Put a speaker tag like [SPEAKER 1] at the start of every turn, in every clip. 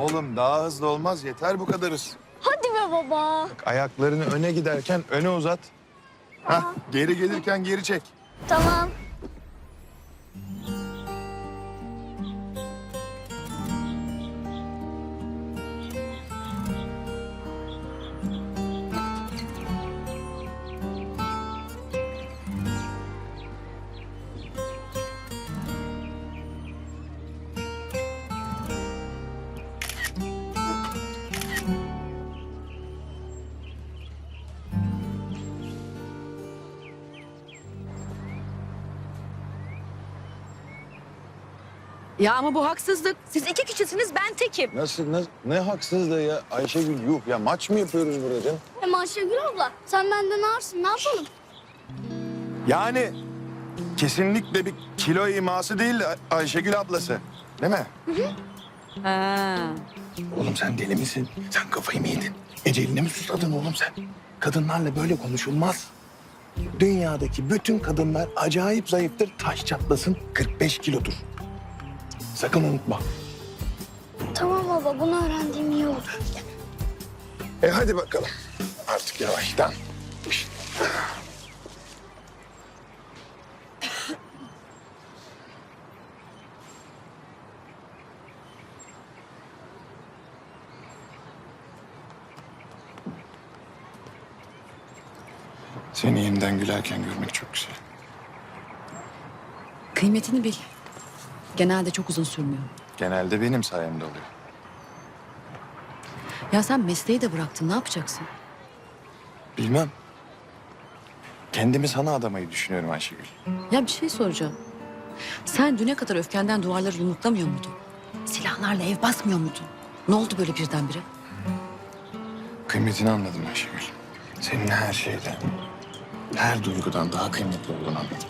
[SPEAKER 1] Oğlum daha hızlı olmaz. Yeter bu kadar hız.
[SPEAKER 2] Hadi be baba.
[SPEAKER 1] Bak, ayaklarını öne giderken öne uzat. Hah, geri gelirken geri çek.
[SPEAKER 2] Tamam.
[SPEAKER 3] Ya ama bu haksızlık. Siz iki kişisiniz, ben tekim.
[SPEAKER 1] Nasıl, ne haksızlığı ya Ayşegül, yuh ya, maç mı yapıyoruz burada canım?
[SPEAKER 2] Hem Ayşegül abla sen benden ağırsın, ne yapalım?
[SPEAKER 1] Yani kesinlikle bir kilo iması değil Ayşegül ablası. Değil mi?
[SPEAKER 3] Ha.
[SPEAKER 4] Oğlum sen deli misin? Sen kafayı mı yedin? Eceline mi susadın oğlum sen? Kadınlarla böyle konuşulmaz. Dünyadaki bütün kadınlar acayip zayıftır. Taş çatlasın 45 kilodur. Sakın unutma.
[SPEAKER 2] Tamam baba, bunu öğrendiğim iyi olur.
[SPEAKER 1] Hadi bakalım.
[SPEAKER 4] Artık yavaştan.
[SPEAKER 1] Seni yeniden gülerken görmek çok güzel.
[SPEAKER 3] Kıymetini bil. Genelde çok uzun sürmüyor.
[SPEAKER 1] Genelde benim sayemde oluyor.
[SPEAKER 3] Ya sen mesleği de bıraktın, ne yapacaksın?
[SPEAKER 1] Bilmem. Kendimi sana adamayı düşünüyorum Ayşegül.
[SPEAKER 3] Ya bir şey soracağım. Sen düne kadar öfkenden duvarları yumruklamıyor muydun? Silahlarla ev basmıyor muydun? Ne oldu böyle birdenbire?
[SPEAKER 1] Kıymetini anladım Ayşegül. Senin her şeyden, her duygudan daha kıymetli olduğunu anladım.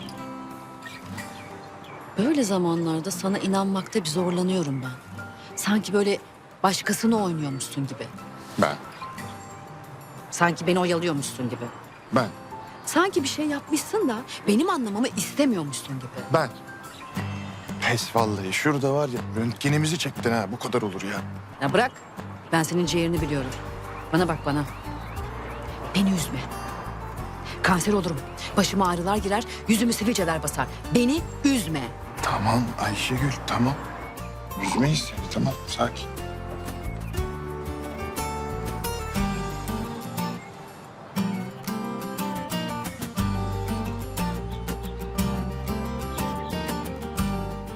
[SPEAKER 3] Böyle zamanlarda sana inanmakta bir zorlanıyorum ben. Sanki böyle başkasını oynuyormuşsun gibi.
[SPEAKER 1] Ben,
[SPEAKER 3] Sanki beni oyalıyormuşsun gibi.
[SPEAKER 1] ben,
[SPEAKER 3] Sanki bir şey yapmışsın da benim anlamamı istemiyormuşsun gibi.
[SPEAKER 1] ben. Pes vallahi. Şurada var ya, röntgenimizi çektin ha. Bu kadar olur ya.
[SPEAKER 3] Ya bırak. Ben senin ciğerini biliyorum. Bana bak bana. Beni üzme. Kanser olurum. Başıma ağrılar girer, yüzümü sivilceler basar. Beni üzme.
[SPEAKER 1] Tamam Ayşegül, tamam. Üzmeyiz seni, tamam. Sakin.